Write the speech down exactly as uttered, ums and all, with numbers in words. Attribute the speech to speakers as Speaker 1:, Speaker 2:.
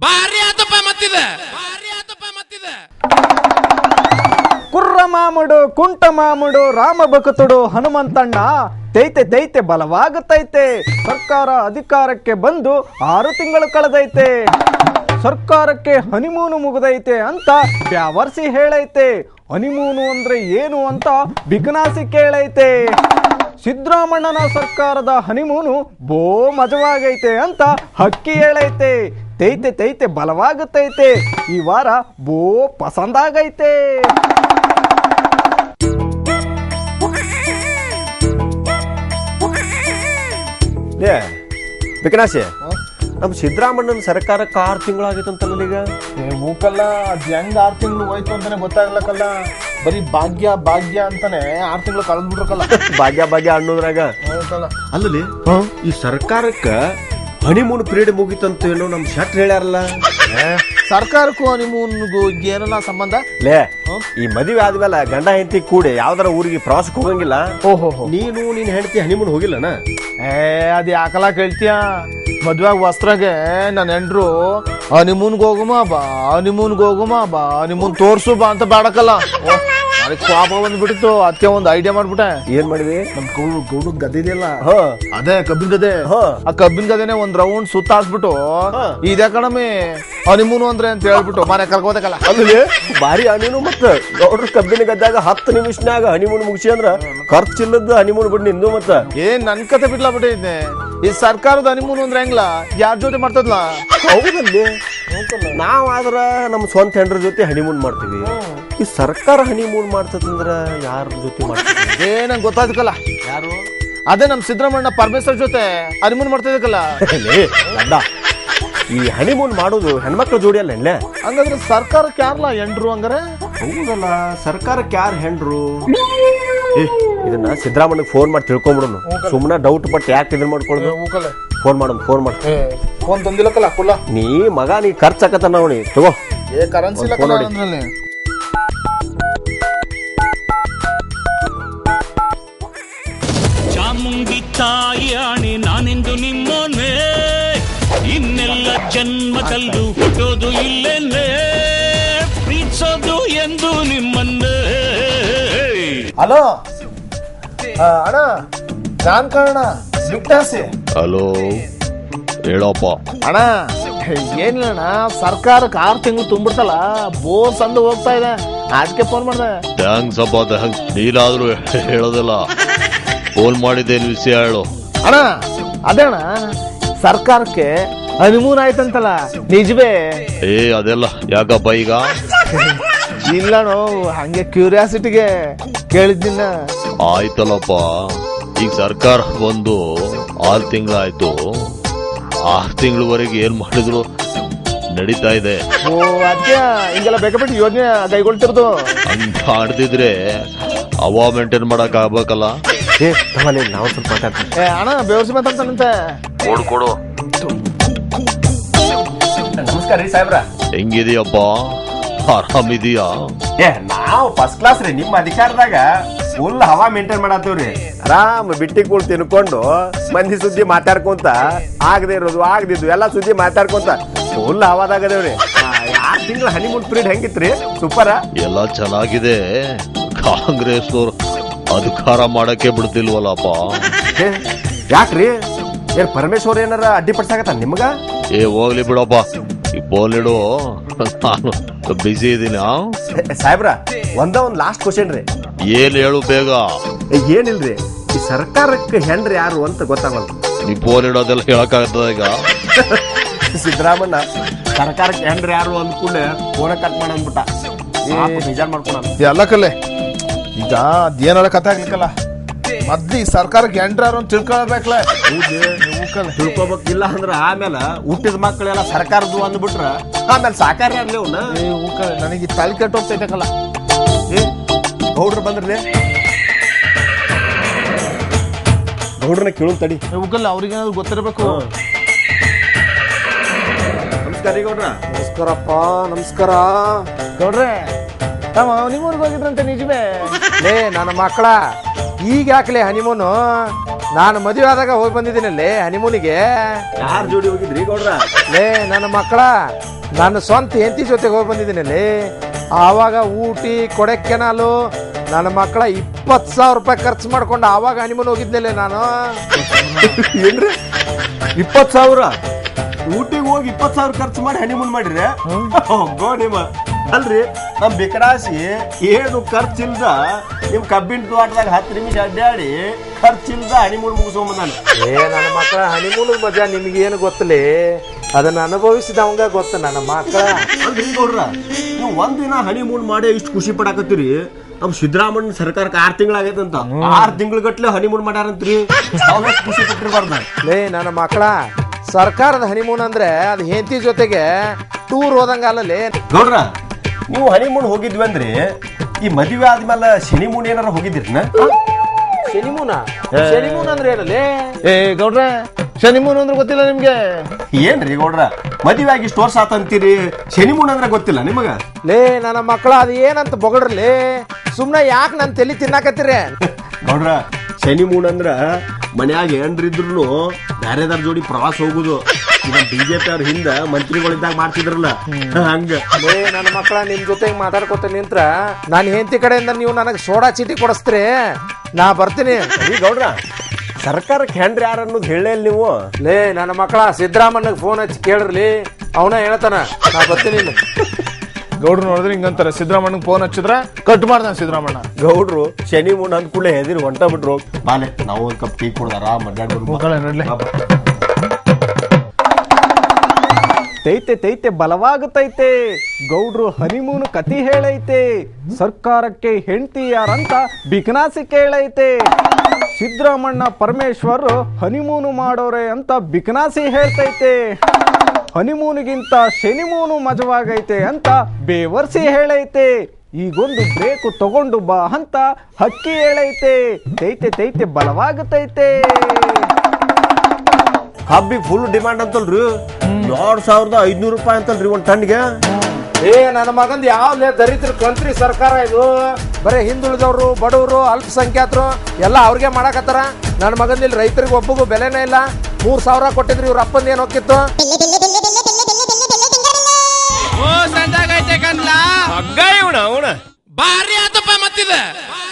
Speaker 1: ಭಾರಿ ಆತಪ್ಪ ಮತ್ತಿದೆ ಭಾರಿ ಆತಪ್ಪ ಮತ್ತಿದೆ
Speaker 2: ಕುರ್ರ ಮಾಮುಡು ಕುಂಟ ಮಾಮುಡು ರಾಮ ಭಕ್ತುಡು ಹನುಮಂತಣ್ಣ ತೈತೆ ತೈತೆ ಬಲವಾಗುತ್ತೈತೆ. ಸರ್ಕಾರ ಅಧಿಕಾರಕ್ಕೆ ಬಂದು ಆರು ತಿಂಗಳು ಕಳೆದೈತೆ. ಸರ್ಕಾರಕ್ಕೆ ಹನಿಮೂನು ಮುಗಿದೈತೆ ಅಂತ ಬ್ಯಾವರ್ಸಿ ಹೇಳೈತೆ. ಹನಿಮೂನು ಅಂದ್ರೆ ಏನು ಅಂತ ಬಿಕನಾಸಿ ಕೇಳೈತೆ. ಸಿದ್ದರಾಮಣ್ಣನ ಸರ್ಕಾರದ ಹನಿಮೂನು ಬೋ ಮಜವಾಗೈತೆ ಅಂತ ಹಕ್ಕಿ ಹೇಳೈತೆ. ತೈತೆ ತೈತೆ ಬಲವಾಗುತ್ತೈತೆ. ಈ ವಾರ ಬೋ ಪಸಂದಾಗೈತೆ.
Speaker 3: ಏ ಬಿಕನಾಸಿ, ನಮ್ಮ ಸಿದ್ದರಾಮಣ್ಣನ ಸರ್ಕಾರಕ್ಕೆ ಆರು ತಿಂಗಳಾಗಿತ್ತಂತಲ್ಲ ಈಗ.
Speaker 4: ಮೂಕಲ್ಲ ಅದ್ ಹೆಂಗ್ ಆರು ತಿಂಗಳು ಹೋಯ್ತು ಅಂತಾನೆ ಗೊತ್ತಾಗ್ಲಕ್ಕಲ್ಲ. ಬರೀ ಭಾಗ್ಯ ಭಾಗ್ಯ ಅಂತಾನೆ ಆರು ತಿಂಗಳು ಕಳೆದ್ ಬಿಟ್ರಕಲ್ಲ.
Speaker 3: ಭಾಗ್ಯ ಭಾಗ್ಯ ಅನ್ನೋದ್ರಾಗ ಅಲ್ಲಲ್ಲಿ ಈ ಸರ್ಕಾರಕ್ಕ ಹನಿಮೂನ್ ಪೀರಿಯಡ್ ಮುಗಿತಂತ ಏನೋ ನಮ್ ಶೆಟ್ರ್ ಹೇಳ್ಯಾರಲ್ಲ.
Speaker 4: ಸರ್ಕಾರಕ್ಕೂ ಹನಿಮೂನ್ಗೂ ಏನಲ್ಲ ಸಂಬಂಧ?
Speaker 3: ಲೇ, ಈ ಮದುವೆ ಆದ್ಮೇಲೆ ಗಂಡ ಹೆಂಡತಿ ಕೂಡಿ ಯಾವ್ದಾರ ಊರಿಗೆ ಪ್ರವಾಸಕ್ಕೆ ಹೋಗಂಗಿಲ್ಲ.
Speaker 4: ಓಹೋ,
Speaker 3: ನೀನು ನೀನ್ ಹೆಂಡತಿ ಹನಿಮೂನ್ ಹೋಗಿಲ್ಲನ?
Speaker 4: ಏ ಅದ್ ಯಾಕಲ್ಲ ಕೇಳ್ತೀಯ? ಮದ್ವೆಗ್ ವಸ್ತ್ರಾಗೆ ನನ್ನ ಹೆಂಡ್ರು ಹನಿಮೂನ್ಗೆ ಹೋಗುಮ ಬಾ, ಹನಿಮೂನ್ಗೆ ಹೋಗುಮ ಬಾ, ಹನಿಮೂನ್ ತೋರ್ಸು ಬಾ ಅಂತ ಬೇಡಕಲ್ಲ. ಅದಕ್ಕೆ ಪಾಪ ಬಂದ್ಬಿಟ್ಟಿತ್ತು. ಅದಕ್ಕೆ ಒಂದು ಐಡಿಯಾ ಮಾಡ್ಬಿಟ್ಟೆ.
Speaker 3: ಏನ್ ಮಾಡಿದ್ವಿ?
Speaker 4: ನಮ್ ಗೌಡ ಗೌಡ ಗದೆ ಇದೆಯಲ್ಲ,
Speaker 3: ಹ
Speaker 4: ಅದೇ ಕಬ್ಬಿನ ಗದೆ.
Speaker 3: ಹ
Speaker 4: ಆ ಕಬ್ಬಿನ ಗದೆನೆ ಒಂದ್ ರೌಂಡ್ ಸುತ್ತಾಡ್ಸ್ಬಿಟ್ಟು ಇದೇ ಕಣಮಿ ಹನಿಮೂನು ಅಂದ್ರೆ ಅಂತ ಹೇಳ್ಬಿಟ್ಟು ಮನೆ ಕರ್ಕೋದಕ್ಕಲ್ಲ.
Speaker 3: ಅಲ್ಲಿ ಭಾರಿ ಹನಿಮೂನು. ಮತ್ತ ಗೌಡ್ರ ಕಬ್ಬಿನ ಗದ್ದಾಗ ಹತ್ತು ನಿಮಿಷನಾಗ ಹನಿಮೂನ್ ಮುಗಿಸಿ ಅಂದ್ರ ಖರ್ಚಿಲ್ಲದ ಹನಿಮೂನ್ ಬಿಡ್ ನಿಂದು. ಮತ್ತ
Speaker 4: ಏನ್ ನನ್ ಕತೆ ಬಿಡ್ಲಾ ಬಿಟ್ಟಿದ್ದೆ. ಈ ಸರ್ಕಾರದ ಹನಿಮೂನು ಅಂದ್ರೆ ಹೆಂಗ್ಲ, ಯಾರ ಜೊತೆ ಮಾಡ್ತದ್ಲಾ?
Speaker 3: ಹೌದಲ್ಲಿ ನಾವ್ ಆದ್ರ ನಮ್ ಸ್ವಂತ ಹೆಂಡ್ರ ಜೊತೆ ಹನಿಮೂನ್ ಮಾಡ್ತೀವಿ. ಈ ಸರ್ಕಾರ ಹನಿಮೂನ್ ಮಾಡ್ತದಂದ್ರ ಯಾರ ಜೊತೆ ಮಾಡ್ತೀವಿ?
Speaker 4: ಏ ನಂಗೆ ಗೊತ್ತಾದಕ್ಕಲ್ಲ. ಯಾರು? ಅದೇ ನಮ್ ಸಿದ್ದರಾಮಣ್ಣ ಪರಮೇಶ್ವರ್ ಜೊತೆ ಹನಿಮೂನ್ ಮಾಡ್ತಿದ್ದಕ್ಕಲ್ಲ.
Speaker 3: ಈ ಹನಿಮೂನ್ ಮಾಡೋದು ಹೆಣ್ಮಕ್ಳ ಜೋಡಿ ಅಲ್ಲ ಎಲ್ಲೇ.
Speaker 4: ಹಂಗಂದ್ರೆ ಸರ್ಕಾರಕ್ಕೆ ಯಾರಲ್ಲ ಹೆಂಡ್ರು ಹಂಗಾರೆ?
Speaker 3: ಹೌದಲ್ಲ, ಸರ್ಕಾರಕ್ಕೆ ಯಾರು ಹೆಂಡ್ರು? ಇದನ್ನ ಸಿದ್ದರಾಮಣ್ಣಗೆ ಫೋನ್ ಮಾಡಿ ತಿಳ್ಕೊಂಬಿಡೋನು. ಸುಮ್ಮನೆ ಡೌಟ್ ಪಟ್ಟು ಯಾಕೆ ಇದನ್ನ ಮಾಡ್ಕೊಳ್ಳೋದು? ಫೋನ್ ಮಾಡೋದು, ಫೋನ್ ಮಾಡಿ.
Speaker 4: ಫೋನ್ ತಂದಿಲ್ಲಕ್ಕಲ್ಲ ಕುಲ್ಲ.
Speaker 3: ನೀ ಮಗ ನೀ ಖರ್ಚಾಕತ್ತ ನೋಡಿ ತಗೋ.
Speaker 4: ಏ ಕರೆನ್ಸಿ ನೋಡಿ.
Speaker 5: ಚಾಮುಂಡಿ ತಾಯಿ ನಾನೆಂದು ನಿಮ್ಮನೆ, ಇನ್ನೆಲ್ಲ ಜನ್ಮದಲ್ಲೂ ಹುಟ್ಟೋದು ಇಲ್ಲೇನೆ, ಪ್ರೀತಿಸೋದು ಎಂದು ನಿಮ್ಮನ್ನೇ.
Speaker 4: ಹಲೋ ಅಣ್ಣ, ನಾನ್ ಕಾರಣ ಬಿಟ್ಟಾಸಿ.
Speaker 6: ಹಲೋ ಹೇಳಪ್ಪ.
Speaker 4: ಅಣ್ಣ ಏನಿಲ್ಲಣ್ಣ, ಸರ್ಕಾರಕ್ಕೆ ಆರು ತಿಂಗಳು ತುಂಬಿಡ್ತಲ್ಲ, ಬೋರ್ ಸಂದು ಹೋಗ್ತಾ ಇದೆ, ಅದಕ್ಕೆ ಫೋನ್ ಮಾಡ್ದೆ.
Speaker 6: ಥ್ಯಾಂಕ್ಸ್ ಅಪ್ಪ, ಥ್ಯಾಂಕ್ಸ್. ನೀನಾದ್ರೂ ಹೇಳೋದಿಲ್ಲ. ಫೋನ್ ಮಾಡಿದ್ದೆ, ವಿಷಯ ಹೇಳು.
Speaker 4: ಅಣ್ಣ ಅದೇ ಅಣ್ಣ, ಸರ್ಕಾರಕ್ಕೆ ಹನಿಮೂನ್ ಆಯ್ತಂತಲ್ಲ, ನಿಜವೇ?
Speaker 6: ಏ ಅದೆಲ್ಲ ಯಾಕಪ್ಪ ಈಗ?
Speaker 4: ಇಲ್ಲಣೋ, ಹಂಗೆ ಕ್ಯೂರಿಯಾಸಿಟಿಗೆ ಕೇಳಿದ್ದಿನ.
Speaker 6: ಆಯ್ತಲ್ಲಪ್ಪ, ಈಗ ಸರ್ಕಾರ ಬಂದು ಆರು ತಿಂಗಳಾಯ್ತು. ಆರು ತಿಂಗಳವರೆಗೆ ಏನ್ ಮಾಡಿದ್ರು ನಡೀತಾ ಇದೆ.
Speaker 4: ಓ ಅದಕ್ಕೆ ಹಿಂಗೆಲ್ಲ ಬೇಕಾಬಿಟ್ಟು ಯೋಜನೆ ಕೈಗೊಳ್ತಿರೋದು.
Speaker 6: ಹಂಗ ಮಾಡ್ತಿದ್ರೆ ಅವ ಮೇಂಟೈನ್ ಮಾಡಕ್ ಆಗ್ಬೇಕಲ್ಲ.
Speaker 3: ಏ ನಾವು ಸ್ವಲ್ಪ ಮಾತಾಡ್ತೀವಿ.
Speaker 4: ಏ ಅಣ್ಣ ಬೇವರ್ಸಿ ಮಾತಾಡ್ತಾನಂತೆ.
Speaker 6: ಕೊಡು ಕೊಡು.
Speaker 3: ನಮಸ್ಕಾರ ರೀ ಸಾಹೇಬ್ರ.
Speaker 6: ಹೆಂಗಿದೀಯಪ್ಪ? ಆರಾಮಿದೀಯಾ?
Speaker 3: ಏ ನಾವು ಫಸ್ಟ್ ಕ್ಲಾಸ್ ರೀ. ನಿಮ್ಮ ಅಧಿಕಾರದಾಗ ಫುಲ್ ಹವಾ ಮೇಂಟೈನ್ ಮಾಡತ್ತೇವ್ರಿ. ಆರಾಮ್ ಬಿಟ್ಟಿ ಕೂಳ್ ತಿನ್ಕೊಂಡು ಮಂದಿ ಸುದ್ದಿ ಮಾತಾಡ್ಕೊಂತ, ಆಗದೆ ಇರೋದು ಆಗದಿದ್ದು ಎಲ್ಲಾ ಸುದ್ದಿ ಮಾತಾಡ್ಕೊಂತ ಫುಲ್ ಹವಾದಾಗದೇವ್ರಿ. ಆರ್ ತಿಂಗಳ ಹನಿಮೂನ್ ಪೀರಿಯಡ್ ಹೆಂಗಿತ್ರಿ? ಸೂಪರ್.
Speaker 6: ಎಲ್ಲ ಚೆನ್ನಾಗಿದೆ. ಕಾಂಗ್ರೆಸ್ನವ್ರು ಅಧಿಕಾರ ಮಾಡಕ್ಕೆ ಬಿಡ್ತಿಲ್ವಲ್ಲಪ್ಪ.
Speaker 3: ಯಾಕ್ರಿ? ಏನ್ ಪರಮೇಶ್ವರ್ ಏನಾರ ಅಡ್ಡಿ ಪಡ್ಸಾಕತ್ತ ನಿಮ್ಗ?
Speaker 6: ಏ ಹೋಗ್ಲಿ ಬಿಡಪ್ಪ, ಈ ಬೋಲಿಡು, ನಾನು ಬಿಸಿ ಇದೀನಿ.
Speaker 3: ಸಾಹೇಬ್ರ ಒಂದ ಒಂದ್ ಲಾಸ್ಟ್ ಕ್ವಶನ್ ರೀ.
Speaker 6: ಏನ್ ಹೇಳು ಬೇಗ.
Speaker 3: ಏನಿಲ್ರಿ, ಈ ಸರ್ಕಾರಕ್ಕೆ ಹೆಂಡ್ರಿ ಯಾರು ಅಂತ ಗೊತ್ತಾಗಲ್ಲ.
Speaker 6: ನೀ ಫೋನ್ ಇಡೋದೆಲ್ಲ ಹೇಳಕ್ಕಾಗ್ತದ ಈಗ?
Speaker 3: ಸಿದ್ದರಾಮಣ್ಣ ಸರ್ಕಾರಕ್ಕೆ ಹೆಂಡ್ರಿ ಯಾರು ಅಂದ ಕೂಡಲೇ ಫೋನ ಕಟ್ ಮಾಡ ಅಂದ್ಬಿಟ್ಟ. ಬೇಜಾರ್ ಮಾಡ್ಕೊಳ
Speaker 4: ಎಲ್ಲ ಕಲೆ. ಈಗ ಅದೇನಾರ ಕಥೆ ಆಗ್ಲಿಕ್ಕಲ್ಲ, ಮೊದ್ಲು ಈ ಸರ್ಕಾರಕ್ಕೆ ಹೆಂಡ್ರಾರು ಅಂತ ತಿಳ್ಕೊಳ್ಬೇಕಲ್ಲ.
Speaker 3: ತಿಳ್ಕೊಬೇಕಿಲ್ಲ ಅಂದ್ರ ಆಮೇಲೆ ಹುಟ್ಟಿದ ಮಕ್ಕಳೆಲ್ಲ ಸರ್ಕಾರದ್ದು ಅಂದ್ಬಿಟ್ರ ಆಮೇಲೆ ಸಾಕಾರ ಆಗ್ಲಿ ಅವ್ನ.
Speaker 4: ನನಗೆ ತಲೆ ಕೆಟ್ಟ ಹೋಗ್ತೈತಕ್ಕಲ್ಲ.
Speaker 3: ಏ ಗೌಡ್ರು ಬಂದ್ರಲೇ, ಗೌಡ್ರನ್ನ ಕೇಳು ತಡಿ.
Speaker 4: ಉಕ್ಕಲ್ಲ, ಅವ್ರಿಗೇನಾದ್ರು ಗೊತ್ತಿರಬೇಕು.
Speaker 3: ನಮಸ್ಕಾರ ಗೌಡ್ರ.
Speaker 2: ನಮಸ್ಕಾರಪ್ಪ. ನಮಸ್ಕಾರ
Speaker 4: ಗೌಡ್ರೆ. ಹನಿಮೂನ್ಗೆ ಹೋಗಿದ್ರಂತೆ, ನಿಜವೇ?
Speaker 2: ಲೇ ನನ್ನ ಮಕ್ಕಳ, ಈಗ ಯಾಕಲೇ ಹನಿಮೂನು? ನಾನು ಮದುವೆ ಆದಾಗ ಹೋಗಿ ಬಂದಿದ್ದೀನಲ್ಲಿ ಹನಿಮೂನಿಗೆ.
Speaker 3: ಯಾರ ಜೋಡಿ ಹೋಗಿದ್ರಿ ಗೌಡ್ರ?
Speaker 2: ಲೇ ನನ್ನ ಮಕ್ಕಳ, ನನ್ನ ಸ್ವಂತ ಹೆಂಡತಿ ಜೊತೆಗೆ ಹೋಗಿ ಬಂದಿದ್ದೀನಲ್ಲಿ. ಆವಾಗ ಊಟಿ ಕೊಡೆಕೆನಾಲು ನನ್ನ ಮಕ್ಕಳ ಇಪ್ಪತ್ತು ಸಾವಿರ ರೂಪಾಯಿ ಖರ್ಚು ಮಾಡ್ಕೊಂಡು ಆವಾಗ ಹನಿಮೂನ್ ಹೋಗಿದ್ನಲ್ಲೇ ನಾನು.
Speaker 3: ಏನ್ರಿ ಇಪ್ಪತ್ ಸಾವಿರ ಊಟಿಗೆ ಹೋಗಿ ಇಪ್ಪತ್ ಸಾವಿರ ಖರ್ಚು ಮಾಡಿ ಹನಿಮೂನ್ ಮಾಡ್ರಿ? ಗೋ ನಿಮ್ಮ ಅಲ್ರಿ ನಮ್ ಬಿಕರಾಸಿ ಏನು ಖರ್ಚಿಲ್ದ ನಿಮ್ ಕಬ್ಬಿನ ತೋಟದಾಗ ಹತ್ತು ನಿಮಿಷ ಅಡ್ಡಾಡಿ ಖರ್ಚಿಲ್ದ ಹನಿಮೂನ್ ಮುಗಿಸ್ಕೊಂಬಂದಾನ.
Speaker 2: ಏ ನನ್ನ ಮಕ್ಕಳ ಹನಿಮೂನ್ ಮಜಾ ನಿಮ್ಗೇನು ಗೊತ್ತಲೇ, ಅದನ್ನ ಅನುಭವಿಸಿದವಂಗ ಗೊತ್ತ ನನ್ನ ಮಕ್ಕಳ.
Speaker 3: ಅಲ್ರಿ ಗೌಡ್ರ ನೀವು ಒಂದಿನ ಹನಿಮೂನ್ ಮಾಡಿ ಇಷ್ಟು ಖುಷಿ ಪಡಾಕತ್ತೀರಿ. ನಮ್ ಸಿದ್ದರಾಮಣ್ಣ ಸರ್ಕಾರಕ್ಕೆ ಆರ್ ತಿಂಗಳಾಗೈತಂತ, ಆರ್ ತಿಂಗಳ ಗಟ್ಲೆ ಹನಿಮೂನ್ ಮಾಡ್ಯಾರಂತ್ರಿ. ಖುಷಿ ಪಟ್ಟಿರ್ಬಾರ್ದ
Speaker 2: ಲೇ ನನ್ನ ಮಕ್ಕಳ, ಸರ್ಕಾರದ ಹನಿಮೂನ್ ಅಂದ್ರೆ ಅದು ಹೆಂಡತಿ ಜೊತೆಗೆ ಟೂರ್ ಹೋದಂಗ ಅಲ್ಲಲೇ.
Speaker 3: ಗೌಡ್ರ ನೀವು ಹನಿಮೂನ್ ಹೋಗಿದ್ವಿ ಅಂದ್ರೆ ಈ ಮದುವೆ ಆದ್ಮೇಲೆ ಶನಿಮೂನ್ ಏನಾರ ಹೋಗಿದ್ರಿನ?
Speaker 2: ಶನಿಮೂನ ಶನಿಮೂನ್ ಅಂದ್ರೆ ಏನಲ್ಲೇ?
Speaker 4: ಏ ಗೌಡ್ರೆ, ಶನಿಮೂನ್ ಅಂದ್ರೆ ಗೊತ್ತಿಲ್ಲ ನಿಮ್ಗೆ?
Speaker 3: ಏನ್ರಿ ಗೌಡ್ರ ಮದುವೆ ಆಗಿ ಇಷ್ಟು ವರ್ಷ ಆತಂತೀರಿ, ಶನಿಮೂನ್ ಅಂದ್ರೆ ಗೊತ್ತಿಲ್ಲ ನಿಮಗ?
Speaker 2: ಲೇ ನನ್ನ ಮಕ್ಕಳ, ಅದು ಏನಂತ ಬೊಗಡ್ರಲಿ, ಸುಮ್ನೆ ಯಾಕೆ ನನ್ ತಲೆ ತಿನ್ನಾಕತ್ತೀರಿ?
Speaker 3: ಗೌಡ್ರ ಶನಿಮೂನ್ ಅಂದ್ರ ಮನ್ಯಾಗ ಏನ್ರಿದ್ರು ಬ್ಯಾರೆದಾರ ಜೋಡಿ ಪ್ರವಾಸ ಹೋಗುದು. ಈಗ ಬಿಜೆಪಿ ಅವ್ರ ಹಿಂದ ಮಂತ್ರಿಗಳಿದ್ದಾಗ ಮಾಡ್ತಿದ್ರಲ್ಲ ಹಂಗ.
Speaker 2: ಲೇ ನನ್ನ ಮಕ್ಕಳ, ನಿಮ್ ಜೊತೆಗೆ ಮಾತಾಡ್ಕೊತ ನಿಂತ್ರ ನಾನು ಹೆಂಡತಿ ಕಡೆಯಿಂದ ನೀವು ನನಗೆ ಸೋಡಾ ಚೀಟಿ ಕೊಡಿಸ್ತೀರಿ, ನಾ ಬರ್ತೀನಿ.
Speaker 3: ಈ ಗೌಡ್ರ ಸರ್ಕಾರಕ್ಕೆ ಹೆಂಡ್ರಿ ಯಾರ ಅನ್ನೋದು ಹೇಳೇ ಇಲ್ಲ ನೀವು.
Speaker 2: ಲೇ ನನ್ನ ಮಕ್ಕಳ, ಸಿದ್ದರಾಮಣ್ಣಗೆ ಫೋನ್ ಹಚ್ಚಿ ಕೇಳ್ರಲಿ, ಅವನ ಹೇಳ್ತಾನ, ನಾ ಬರ್ತೀನಿ.
Speaker 4: ಗೌಡ್ರು ನೋಡಿದ್ರೆ ಹಿಂಗಂತಾರೆ, ಸಿದ್ದರಾಮಣ್ಣಗೆ ಫೋನ್ ಹಚ್ಚಿದ್ರೆ ಕಟ್ ಮಾಡ್ತಾನೆ ಸಿದ್ದರಾಮಣ್ಣ.
Speaker 3: ಗೌಡ್ರು ಶನಿ ಮೂನ್ ಅಂದ ಕೂಡಲೇ ಹೆದಿರಿ ಹೊಂಟ ಬಿಟ್ರು. ಬಾಲೆ ನಾವು ಒಂದ್ ಕಪ್ ಟೀ ಕುಡ್ದಾರ ಮಡ್ಯಾಡ್ರು.
Speaker 4: ನೋಡ್ಲಿ
Speaker 7: ತೈತೆ ತೈತೆ ಬಲವಾಗುತ್ತೈತೆ, ಗೌಡ್ರು ಹನಿಮೂನು ಕತಿ ಹೇಳೈತೆ, ಸರ್ಕಾರಕ್ಕೆ ಹೆಂಡತಿ ಯಾರಂತ ಬಿಕನಾಸಿ ಕೇಳೈತೆ, ಸಿದ್ದರಾಮಣ್ಣ ಪರಮೇಶ್ವರ್ ಹನಿಮೂನು ಮಾಡೋರೆ ಅಂತ ಬಿಕನಾಸಿ ಹೇಳ್ತೈತೆ, ಹನಿಮೂನಿಗಿಂತ ಶನಿಮೂನು ಮಜವಾಗೈತೆ ಅಂತ ಬೇವರ್ಸಿ ಹೇಳೈತೆ, ಈಗೊಂದು ಬ್ರೇಕು ತಗೊಂಡು ಬಾ ಅಂತ ಹಕ್ಕಿ ಹೇಳೈತೆ, ತೈತೆ ತೈತೆ ಬಲವಾಗುತ್ತೈತೆ.
Speaker 3: ಹಬ್ಬಿಗೆ ಫುಲ್ ಡಿಮಾಂಡ್ ಅಂತಲ್ರಿ, ಎರಡ್ ಸಾವಿರದ ಐದ್ನೂರು ರೂಪಾಯಿ ಅಂತಲ್ರಿ ಒಂದ್ ಟನ್ಗೆ.
Speaker 2: ಏ ನನ್ನ ಮಗಂದ್ ಯಾವ ದರಿದ್ರ ಕಂತ್ರಿ ಸರ್ಕಾರ ಇದು, ಬರೀ ಹಿಂದುಳಿದವರು, ಬಡವರು, ಅಲ್ಪಸಂಖ್ಯಾತರು ಎಲ್ಲ ಅವ್ರಿಗೆ ಮಾಡಾಕತ್ತಾರ. ನನ್ನ ಮಗಂದ ಇಲ್ಲಿ ರೈತರಿಗೆ ಒಬ್ಬಗೂ ಬೆಲೆನೇ ಇಲ್ಲ. ಮೂರ್ ಸಾವಿರ ಕೊಟ್ಟಿದ್ರಿ, ಇವ್ರ ಅಪ್ಪಂದ ಏನ್ ಹೋಗಿತ್ತು?
Speaker 1: ಓ ಸಂಜಾಗೈತೆ ಕನ್ಲ
Speaker 3: ಹಗ್ಗ ಇವಣ ಅವನ
Speaker 1: ಭಾರಿ ಆತಪ್ಪ ಮತ್ತಿದ.